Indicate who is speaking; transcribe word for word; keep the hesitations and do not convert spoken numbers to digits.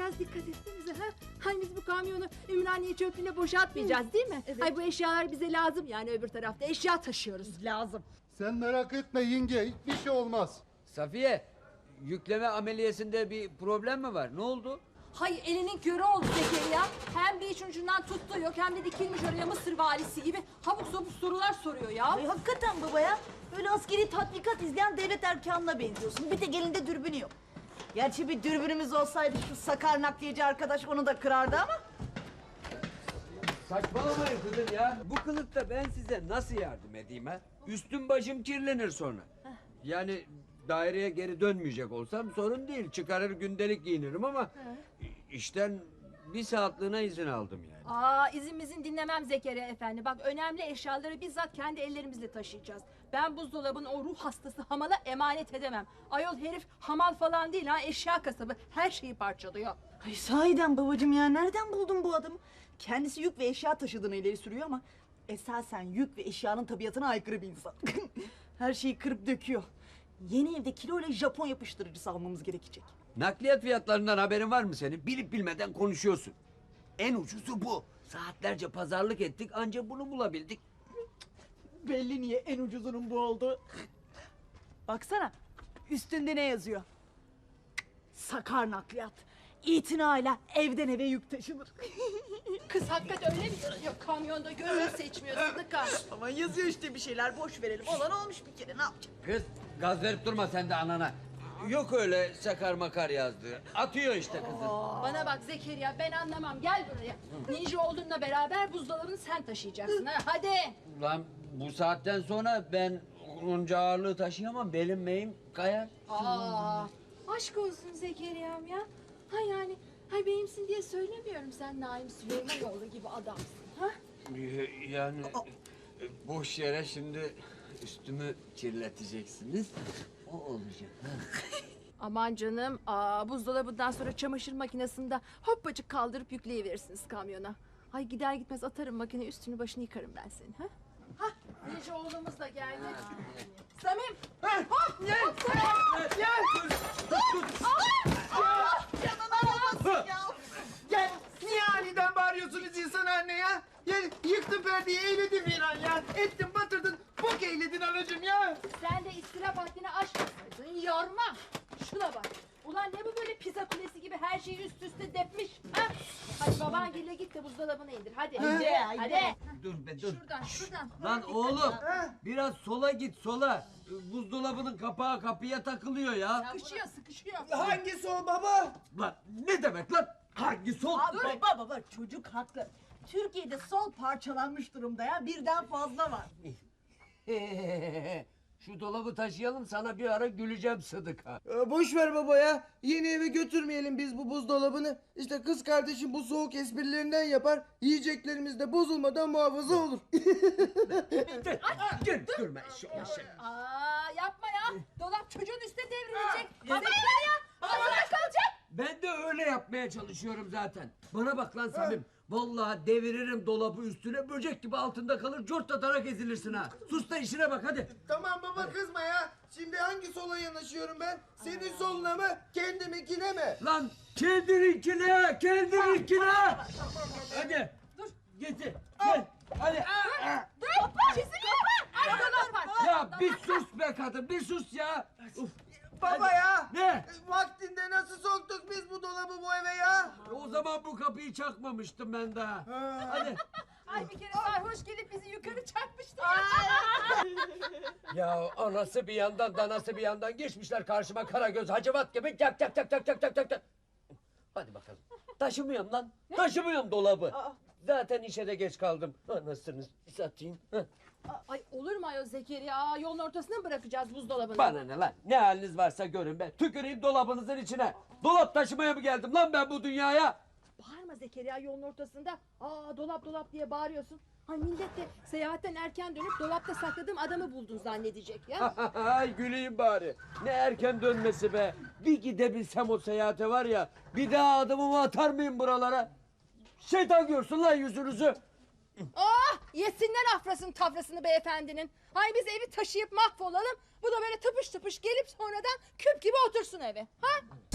Speaker 1: biraz dikkat etsenize ha. Hay biz bu kamyonu Ümraniye çöplüğüne boşaltmayacağız değil mi?
Speaker 2: Evet.
Speaker 1: Hay bu eşyalar bize lazım yani öbür tarafta eşya taşıyoruz.
Speaker 2: Lazım.
Speaker 3: Sen merak etme yenge, hiçbir şey olmaz.
Speaker 4: Safiye, yükleme ameliyesinde bir problem mi var? Ne oldu?
Speaker 5: Hay elinin körü oldu Zekeriya. Hem bir iç ucundan tuttu yok hem de dikilmiş oraya Mısır valisi gibi habuk sabuk sorular soruyor ya.
Speaker 2: Ay hakikaten baba ya. Böyle askeri tatbikat izleyen devlet erkanına benziyorsun. Bir tek elinde dürbünü yok. Gerçi bir dürbünümüz olsaydı şu sakar nakliyeci arkadaş onu da kırardı ama.
Speaker 4: Saçmalamayın kızım ya. Bu kılıkta ben size nasıl yardım edeyim ha? Üstüm başım kirlenir sonra. Yani daireye geri dönmeyecek olsam sorun değil. Çıkarır gündelik giyinirim ama işten bir saatliğine izin aldım yani.
Speaker 5: Aa izin dinlemem Zekeriya efendi. Bak önemli eşyaları bizzat kendi ellerimizle taşıyacağız. Ben buzdolabını o ruh hastası hamala emanet edemem. Ayol herif hamal falan değil ha, eşya kasabı. Her şeyi parçalıyor.
Speaker 2: Ay sahiden babacığım ya, nereden buldun bu adamı? Kendisi yük ve eşya taşıdığını ileri sürüyor ama esasen yük ve eşyanın tabiatına aykırı bir insan. Her şeyi kırıp döküyor. Yeni evde kiloyla Japon yapıştırıcısı almamız gerekecek.
Speaker 4: Nakliyat fiyatlarından haberin var mı senin? Bilip bilmeden konuşuyorsun. En ucuzu bu. Saatlerce pazarlık ettik ancak bunu bulabildik.
Speaker 2: Belli niye en ucuzunun bu oldu. Baksana üstünde ne yazıyor? Sakar nakliyat. İtinayla evden eve yük taşınır.
Speaker 5: Kız hakikaten öyle mi yazıyor kamyonda? Gözünü seçmiyor Sıdıka.
Speaker 2: Ama yazıyor işte bir şeyler, boş verelim. Olan olmuş bir kere, ne yapacağız?
Speaker 4: Kız gaz verip durma sen de anana. Yok öyle sakar makar yazdığı. Atıyor işte kızın.
Speaker 5: Bana bak Zekeriya ben anlamam gel buraya. Ninja olduğunla beraber buzdolabını sen taşıyacaksın ha hadi.
Speaker 4: Lan bu saatten sonra ben onca ağırlığı taşıyamam. Belim meyim kayar.
Speaker 1: Aa, aşk olsun Zekeriya'm ya. Ha yani, hay benimsin diye söylemiyorum, sen Naim Süleymanoğlu gibi adamsın ha.
Speaker 4: Yani e, boş yere şimdi üstümü kirleteceksiniz. O olacak.
Speaker 1: Aman canım, aa, buzdolabından sonra çamaşır makinesinde hoppacık kaldırıp yükleyiverirsiniz kamyona. Ay gider gitmez atarım makine, üstünü başını yıkarım ben senin ha. Ha, Ninja oğlumuz da geldi. Samim. Hop, gel.
Speaker 6: Gel! Gel! Niye aniden bağırıyorsunuz insan anne ya? Gel, yıktın perdeyi, eyledin bir an ya. Ettin, batırdın, bok eyledin anacığım ya.
Speaker 5: Sen de istirap haddini aşmasaydın yorma. Şuna bak. Ulan ne bu böyle pizza kulesi gibi her şeyi üst üste depmiş. Ha? Hadi baban gille git de buzdolabını indir. Hadi. Hadi. Hadi.
Speaker 4: Dur be dur.
Speaker 5: Şuradan şuradan.
Speaker 4: Lan oğlum biraz sola git sola. Buzdolabının kapağı kapıya takılıyor ya.
Speaker 5: Sıkışıyor sıkışıyor.
Speaker 6: Hangisi o baba?
Speaker 4: Lan ne demek lan? Hangi sol?
Speaker 2: Aa, baba baba çocuk haklı. Türkiye'de sol parçalanmış durumda ya, birden fazla var.
Speaker 4: Şu dolabı taşıyalım sana bir ara güleceğim Sıdıka.
Speaker 6: Ee, boş ver baba ya. Yeni eve götürmeyelim biz bu buzdolabını. İşte kız kardeşim bu soğuk esprilerinden yapar. Yiyeceklerimiz de bozulmadan muhafaza olur.
Speaker 4: Dur, durma şu şey.
Speaker 5: Aa yapma ya. Dolap çocuğun üstüne devrilecek. Hadi ya. Hazırda kalacak.
Speaker 4: Ben de öyle yapmaya çalışıyorum zaten. Bana bak lan Samim. Vallahi deviririm dolabı üstüne, böcek gibi altında kalır, cortlatarak ezilirsin ha. Sus da işine bak hadi.
Speaker 6: Tamam baba, kızma ya. Şimdi hangi sola yanaşıyorum ben? Senin soluna mı, kendiminkine mi?
Speaker 4: Lan kendininkine, kendininkine. Hadi. Dur. Getir. Gel. Hadi.
Speaker 5: Çizim yapma. Ay dolap var.
Speaker 4: Ya bir sus be kadın, bir sus ya. Uf.
Speaker 6: Baba ya.
Speaker 4: Ne?
Speaker 6: Vaktinde nasıl soktuk biz bu dolabı bu eve ya?
Speaker 4: O zaman bu kapıyı çakmamıştım ben daha. Hadi.
Speaker 5: Ay bir kere sarhoş gelip bizi yukarı çarpmıştı.
Speaker 4: Ya anası bir yandan danası bir yandan geçmişler karşıma Karagöz Hacivat gibi tak tak tak tak tak tak tak tak. Hadi bakalım. Taşımıyorum lan. Taşımıyorum dolabı. Zaten işe de geç kaldım. Anasını satayım. Heh.
Speaker 5: Ay olur mu ayol Zekeriya? Aa, yolun ortasına mı bırakacağız buzdolabını?
Speaker 4: Bana ne lan? Ne haliniz varsa görün be. Tüküreyim dolabınızın içine. Dolap taşımaya mı geldim lan ben bu dünyaya?
Speaker 5: Bağırma Zekeriya yolun ortasında. Aa dolap dolap diye bağırıyorsun. Ay millet de seyahatten erken dönüp dolapta sakladığım adamı buldun zannedecek ya.
Speaker 4: Ay güleyim bari. Ne erken dönmesi be. Bir gidebilsem o seyahate var ya. Bir daha adımımı atar mıyım buralara? Şeytan görsün lan yüzünüzü.
Speaker 5: Ah yesinler afrasını tafrasını beyefendinin. Ay biz evi taşıyıp mahvolalım. Bu da böyle tıpış tıpış gelip sonradan küp gibi otursun eve. Ha?